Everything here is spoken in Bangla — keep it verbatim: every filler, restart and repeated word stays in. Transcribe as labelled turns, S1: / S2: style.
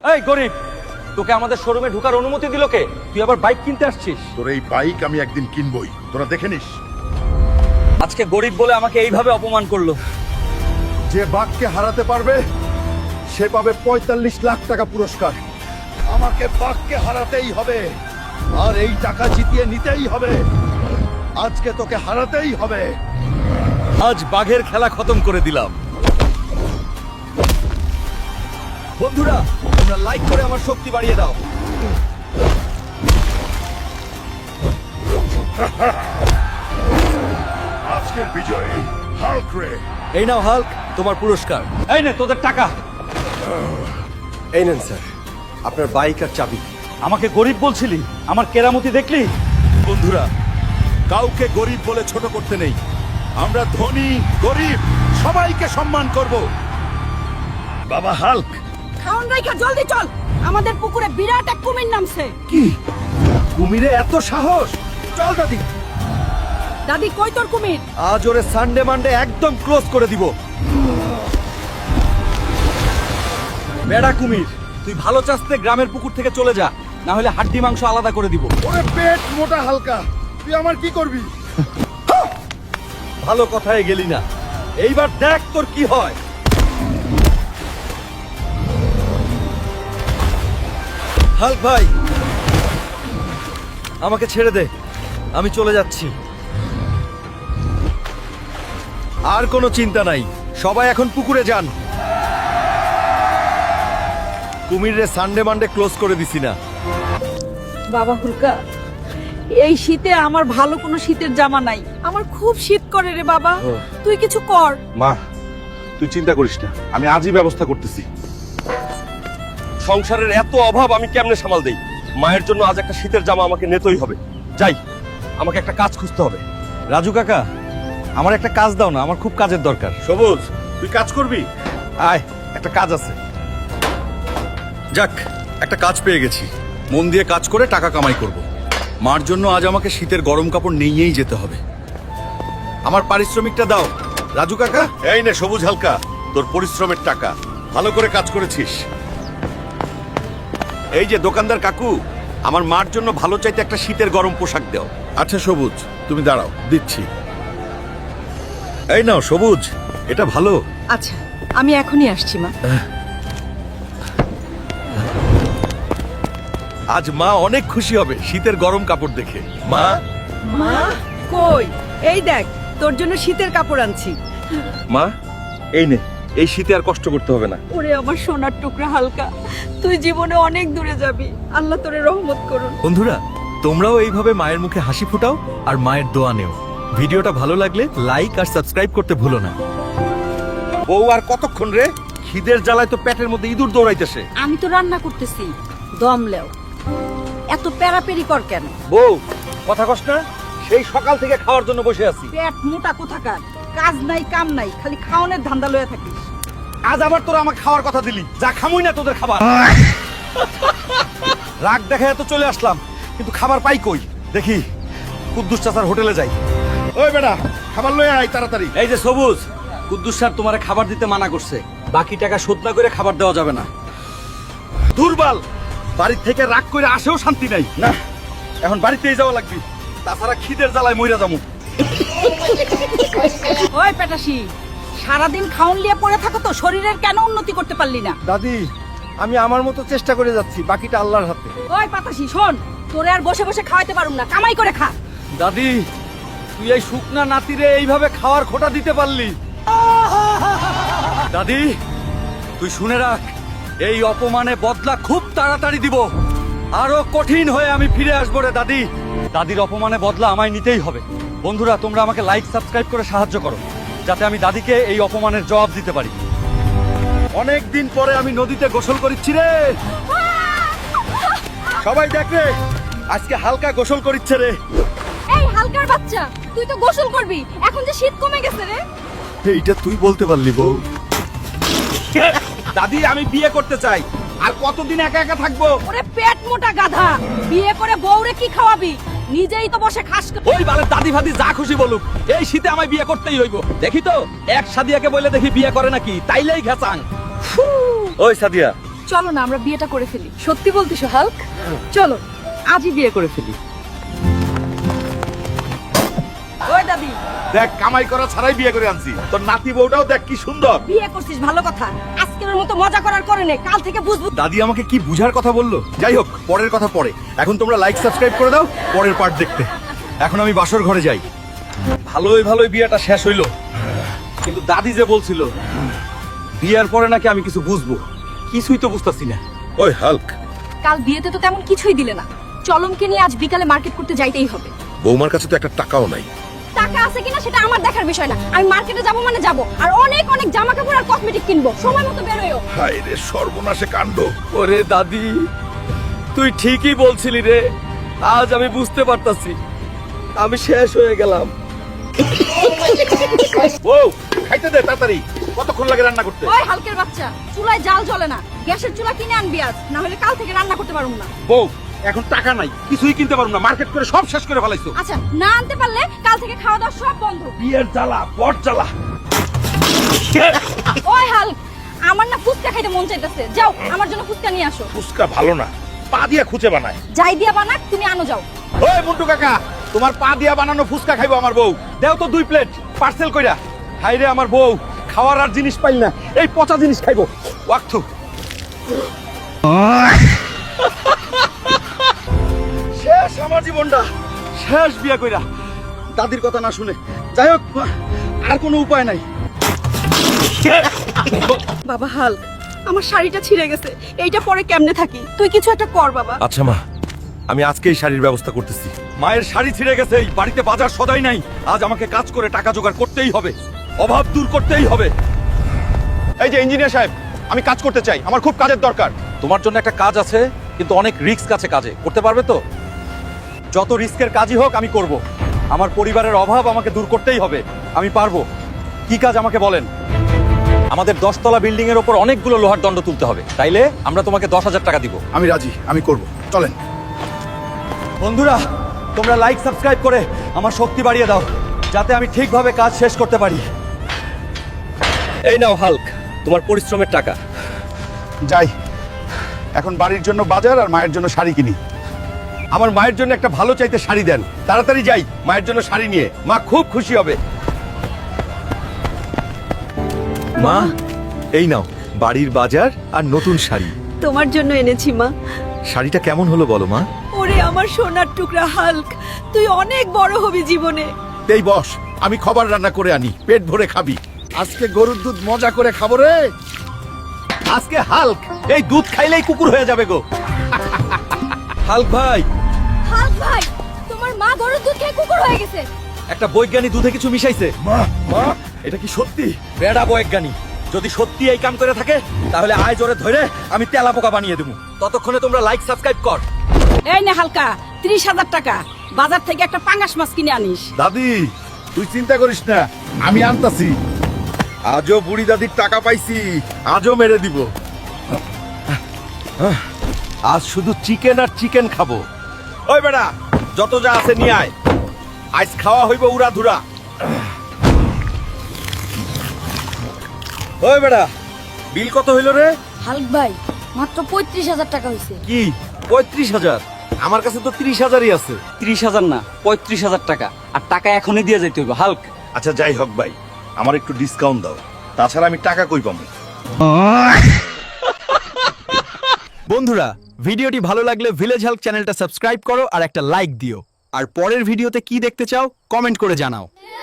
S1: এই গরিব, তোকে আমাদের শোরুমে ঢোকার অনুমতি দিল কে? তুই আবার বাইক কিনতে আসছিস?
S2: তোর এই বাইক আমি একদিন কিনবই, তোরা দেখে নিস।
S1: আজকে গরিব বলে আমাকে এইভাবে অপমান করলো।
S2: যে বাঘকে হারাতে পারবে সে পাবে পঁয়তাল্লিশ লাখ টাকা পুরস্কার। আমাকে বাঘকে হারাতেই হবে, আর এই টাকা জিতিয়ে নিতেই হবে। আজকে তোকে হারাতেই হবে।
S1: আজ বাঘের খেলা খতম করে দিলাম। বন্ধুরা, তোমরা লাইক করে আমার শক্তি বাড়িয়ে দাও।
S2: আজকের বিজয়ী হাল্ক রে।
S1: এই নাও হাল্ক, তোমার পুরস্কার। এই নে তোদের টাকা।
S3: এই নেন স্যার, আপনার বাইক আর চাবি।
S1: আমাকে গরিব বলছিলি, আমার কেরামতি দেখলি?
S2: বন্ধুরা, কাউকে গরিব বলে ছোট করতে নেই। আমরা ধনী গরিব সবাইকে সম্মান করব। বাবা হাল্ক,
S4: খাওন রাইখা জলদি চল, আমাদের পুকুরে বিরাট এক কুমির নামছে।
S2: কি কুমিরে এত সাহস? চল দাদি।
S4: দাদি কই তোর কুমির?
S3: আজ ওরে সানডে মানডে একদম ক্লোজ করে দিব।
S1: বেড়া কুমির, তুই ভালো চাস্তে গ্রামের পুকুর থেকে চলে যা, না হলে হাড্ডি মাংস আলাদা করে দিব।
S2: ওরে পেট মোটা হালকা, তুই আমার কি করবি?
S1: ভালো কথায় গেলি না, এইবার দেখ তোর কি হয়।
S3: হাল্ক ভাই, আমাকে ছেড়ে দে, আমি চলে যাচ্ছি। আর কোনো চিন্তা নাই, সবাই এখন পুকুরে যান। কুমিরে সানডে মানডে ক্লোজ করে দিছি না।
S4: বাবা হুলকা, এই শীতে আমার ভালো কোনো শীতের জামা নাই, আমার খুব শীত করে রে বাবা, তুই কিছু কর।
S5: মা, তুই চিন্তা করিস না, আমি আজই ব্যবস্থা করতেছি।
S1: সংসারের এত অভাব আমি কেমনে সামাল দেই? মায়ের জন্য আজ একটা শীতের জামা আমাকে নিতেই হবে। যাই, আমাকে একটা কাজ খুঁজতে হবে। রাজু কাকা, আমার একটা কাজ দাও না, আমার খুব কাজের দরকার।
S5: সবুজ, তুই কাজ করবি?
S1: আয়, একটা কাজ আছে। যাক, একটা কাজ পেয়ে গেছি। মন দিয়ে কাজ করে টাকা কামাই করব। মার জন্য আজ আমাকে শীতের গরম কাপড় নিয়েই যেতে হবে। আমার পারিশ্রমিকটা দাও রাজু কাকা।
S5: এই নে সবুজ হালকা, তোর পরিশ্রমের টাকা। ভালো করে কাজ করেছিস।
S1: এই যে দোকানদার কাকু, আমার মার জন্য ভালো চাইতে একটা শীতের গরম পোশাক দাও।
S2: আচ্ছা সবুজ, তুমি দাঁড়াও, দিচ্ছি।
S1: এই নাও সবুজ, এটা ভালো।
S4: আচ্ছা, আমি এখনই আসছি মা।
S1: আজ মা অনেক খুশি হবে শীতের গরম কাপড় দেখে। মা,
S4: মা কই? এই দেখ, তোর জন্য শীতের কাপড় আনছি।
S1: মা এই নে, এই শীতে আর কষ্ট করতে হবে না।
S4: ওরে আমার সোনার টুকরা হালকা, তুই জীবনে অনেক দূরে যাবি, আল্লাহ তোরে রহমত করুন।
S3: বন্ধুরা, তোমরাও এইভাবে মায়ের মুখে হাসি ফোটাও আর মায়ের দোয়া নেও। ভিডিওটা ভালো লাগলে লাইক আর সাবস্ক্রাইব করতে ভুলো না।
S1: বউ আর কতক্ষণ রে? খিদের জ্বালায় তো পেটের মধ্যে ইঁদুর দৌড়াইতেছে।
S4: আমি তো রান্না করতেছি, দম লেও। এত প্যারাপেরি কর কেন?
S1: বউ, কথা কস না? সেই সকাল থেকে খাওয়ার জন্য বসে আছি।
S4: পেট মোটা কোথাকার, কাজ নাই কাম নাই, খালি খাওনের ধান্দা লয়ে থাকিস।
S1: আজ আবার তোরা আমাকে খাওয়ার কথা দিলি, যা খামুই না তোদের খাবার। রাগ দেখায় তো চলে আসলাম, কিন্তু খাবার পাই কই? দেখি কুদ্দুস চাচার হোটেলে যাই।
S2: ওই বেটা, খাবার লয়ে আয় তাড়াতাড়ি।
S1: এই যে সবুজ, কুদ্দুস স্যার তোমারে খাবার দিতে মানা করছে। বাকি টাকা শোধ না করে খাবার দেওয়া যাবে না। দুর্বল, বাড়ি থেকে রাগ করে আসেও শান্তি নাই। না, এখন বাড়িতেই যাওয়া লাগবে, তাছাড়া খিদের জ্বালায় মইরা যাবো।
S4: ওই পেটাসি, সারাদিন খাওন লিয়ে পড়ে থাকো তো শরীরের কেন উন্নতি করতে পারলি না?
S3: দাদি, আমি আমার মতো চেষ্টা করে যাচ্ছি, বাকিটা আল্লাহর হাতে।
S4: ওই পাতাসি শোন, তোরে আর বসে বসে খাওয়াইতে পারুম না, কামাই করে খা।
S1: দাদি, তুই এই শুকনা নাতিরে এইভাবে খাওয়ার খোটা দিতে পারলি? দাদি, তুই শুনে রাখ, এই অপমানে বদলা খুব তাড়াতাড়ি দিব। আরো কঠিন হয়ে আমি ফিরে আসবো রে দাদি। দাদির অপমানে বদলা আমায় নিতেই হবে। বন্ধুরা, তোমরা আমাকে লাইক সাবস্ক্রাইব করে সাহায্য করো, যাতে আমি দাদিকে এই অপমানের জবাব দিতে পারি। অনেক দিন পরে আমি নদীতে গোসল করিচ্ছি রে। সবাই দেখ রে, আজকে হালকা গোসল করিচ্ছে রে।
S4: এই হালকার বাচ্চা, তুই তো গোসল করবি, এখন যে শীত কমে গেছে রে।
S3: এইটা তুই বলতে পারলি বউ?
S1: দাদি, আমি বিয়ে করতে চাই। আর কতদিন একা একা থাকবো?
S4: ওরে পেট মোটা গাধা, বিয়ে করে বউরে কি খাওয়াবি? নিজেই তো বসে খাস।
S1: ওই বালে দাদি ফাদি যা খুশি বলুক, এই শীতে আমায় বিয়ে করতেই হইব। দেখি তো এক সাদিয়াকে বলে দেখি বিয়ে করে নাকি, তাইলেই ঘেচাং। ওই সাদিয়া,
S4: চলো না আমরা বিয়েটা করে ফেলি। সত্যি বলতিস হাল্ক? চলো আজই বিয়ে করে ফেলি। ওই দাদি,
S2: দেখ কামাই করা ছাড়াই বিয়ে করে আনছি, তোর নাতি বউটাও দেখ কি সুন্দর।
S4: বিয়ে করছিস ভালো কথা, আজকের মতো মজা করার করে নে, কাল থেকে বুঝবো।
S2: দাদি আমাকে কি বুঝার কথা বললো। যাই হোক, পরের কথা পরে। এখন তোমরা লাইক সাবস্ক্রাইব করে দাও পরের পার্ট দেখতে।
S1: এখন আমি বাসর ঘরে যাই। ভালোই ভালোই বিয়েটা শেষ হইলো, কিন্তু দাদি যে বলছিল বিয়ের পরে নাকি আমি কিছু বুঝবো, কিছুই তো বুঝতাছি না।
S2: ওই হাল্ক,
S4: কাল বিয়েতে তো তেমন কিছুই দিলে না। চলমকে নিয়ে আজ বিকালে মার্কেট করতে যাইতেই হবে।
S5: বৌমার কাছে তো একটা টাকাও নাই।
S4: টাকা আছে কিনা সেটা আমার দেখার বিষয় না, আমি মার্কেটে যাবো মানে যাবো, আর অনেক অনেক জামা কাপড় আর কসমেটিক কিনবো। সময় মতো বেরোয়ও।
S2: হায় রে সর্বনাশে কাণ্ড।
S1: ওরে দাদি, তুই ঠিকই বলছিলি রে, আজ আমি বুঝতে পারতাছি আমি শেষ হয়ে গেলাম।
S2: বউ খাইতে দে তাড়াতাড়ি, কতক্ষণ লাগে রান্না করতে?
S4: ওই হালকের বাচ্চা, চুলায় জাল জ্বলে না, গ্যাসের চুলা কিনে আনবি আজ, না হলে কাল থেকে রান্না করতে পারবো না।
S2: বউ এখন টাকা নাই, কিছুই কিনতে পারবো না, মার্কেট করে সব শেষ করে ফেলাইছো।
S4: আচ্ছা, না আনতে পারলে কাল থেকে খাওয়া দাওয়া সব বন্ধ।
S2: বিয়ের জ্বালা বট জ্বালা।
S4: ওই হাল্ক, আমার না ফুচকা খাইতে মন চাইতেছে, যাও আমার জন্য ফুচকা নিয়ে আসো।
S2: ফুচকা ভালো না, পা দিয়া খুঁজে বানায়।
S4: যাই দিয়া বানাক, তুমি আনো যাও।
S2: ওই মুন্টু কাকা, তোমার পা দিয়া বানানো ফুচকা খাইবো আমার বউ।
S1: দেও তো দুই প্লেট পার্সেল কইরা। হাই রে আমার বউ, খাওয়ার আর জিনিস পাইল না, এই পচা জিনিস খাইবো। ওয়াক্তু শেষ আমার জীবনটা, শেষ বিয়া কইরা দাদির কথা না শুনে। যাই হোক, আর কোনো উপায় নাই।
S4: বাবা হাল্ক, আমার শাড়িটা ছিঁড়ে গেছে, এইটা পরে কেমনে থাকি? তুই কিছু একটা কর বাবা।
S5: আচ্ছা মা, আমি আজকেই শাড়ির ব্যবস্থা করতেছি।
S1: মায়ের শাড়ি ছিঁড়ে গেছে, এই বাড়িতে বাজার সদাই নাই, আজ আমাকে কাজ করে টাকা জোগাড় করতেই হবে, অভাব দূর করতেই হবে।
S2: এই যে ইঞ্জিনিয়ার সাহেব, আমি কাজ করতে চাই, আমার খুব কাজের দরকার।
S1: তোমার জন্য একটা কাজ আছে, কিন্তু অনেক রিস্ক আছে কাজে, করতে পারবে তো? যত রিস্কের কাজই হোক আমি করব। আমার পরিবারের অভাব আমাকে দূর করতেই হবে, আমি পারবো। কি কাজ আমাকে বলেন। আমাদের দশতলা বিল্ডিং এর ওপর অনেকগুলো লোহার দণ্ড তুলতে হবে, তাইলে আমরা তোমাকে দশ হাজার টাকা দিব।
S2: আমি রাজি, আমি করব, চলেন।
S1: বন্ধুরা, তোমরা লাইক সাবস্ক্রাইব করে আমার শক্তি বাড়িয়ে দাও, যাতে আমি ঠিকভাবে কাজ শেষ করতে পারি। এই নাও হাল্ক, তোমার পরিশ্রমের টাকা।
S2: যাই, এখন বাড়ির জন্য বাজার আর মায়ের জন্য শাড়ি কিনি। আমার মায়ের জন্য একটা ভালো চাইতে শাড়ি দেন, তাড়াতাড়ি যাই মায়ের জন্য শাড়ি নিয়ে, মা খুব খুশি হবে।
S3: মা, এই নাও বাড়ির বাজার আর নতুন শাড়ি।
S4: তোমার জন্য এনেছি মা।
S3: শাড়িটা কেমন হলো বলো মা?
S4: ওরে আমার সোনার টুকরা হাল্ক, তুই অনেক বড় হবি জীবনে।
S2: এই বস, আমি খাবার রান্না করে আনি, পেট ভরে খাবি। আজকে গরুর দুধ মজা করে খাবো রে।
S1: আজকে হাল্ক এই দুধ খাইলেই কুকুর হয়ে যাবে গো। হাল্ক ভাই,
S4: হাল্ক ভাই, তোমার মা গরুর দুধ খেয়ে কুকুর হয়ে গেছে।
S1: একটা বৈজ্ঞানিক দুধে কিছু মিশাইছে।
S2: মা মা এটা কি সত্যি?
S1: বেড়া বৈজ্ঞানিক, যদি সত্যি এই কাম করে থাকে তাহলে আয় জোরে ধরে আমি তেলা পোকা বানিয়ে দেবো। ততক্ষণে তোমরা লাইক সাবস্ক্রাইব কর।
S4: এই নে হালকা, ত্রিশ হাজার টাকা, বাজার থেকে একটা পাঙ্গাস মাছ কিনে আনিস।
S2: দাদি তুই চিন্তা করিস না, আমি আনতাছি। আজও বুড়ি দাদির টাকা পাইছি, আজও মেরে দিব।
S1: আজ শুধু চিকেন আর চিকেন খাবো।
S2: ওই বেড়া, যত যা আছে নিয়ে আয়, আজ খাওয়া হইব উড়া ধুরা।
S1: ওই বেড়া, বিল কত হইল রে?
S4: হাল্ক ভাই, মাত্র পঁয়ত্রিশ হাজার টাকা হয়েছে।
S1: কি পঁয়ত্রিশ হাজার? আমার কাছে তো ত্রিশ হাজারই আছে। ত্রিশ হাজার না, পঁয়ত্রিশ হাজার টাকা, আর টাকা এখনই দিয়ে যাইতে হইব। হাল্ক,
S2: আচ্ছা যাই হোক ভাই, আমার একটু ডিসকাউন্ট দাও, তাছাড়া আমি টাকা কই পাবো?
S3: বন্ধুরা, ভিডিওটি ভালো লাগলে ভিলেজ হাল্ক চ্যানেলটা সাবস্ক্রাইব করো আর একটা লাইক দিও। আর পরের ভিডিওতে কি দেখতে চাও কমেন্ট করে জানাও।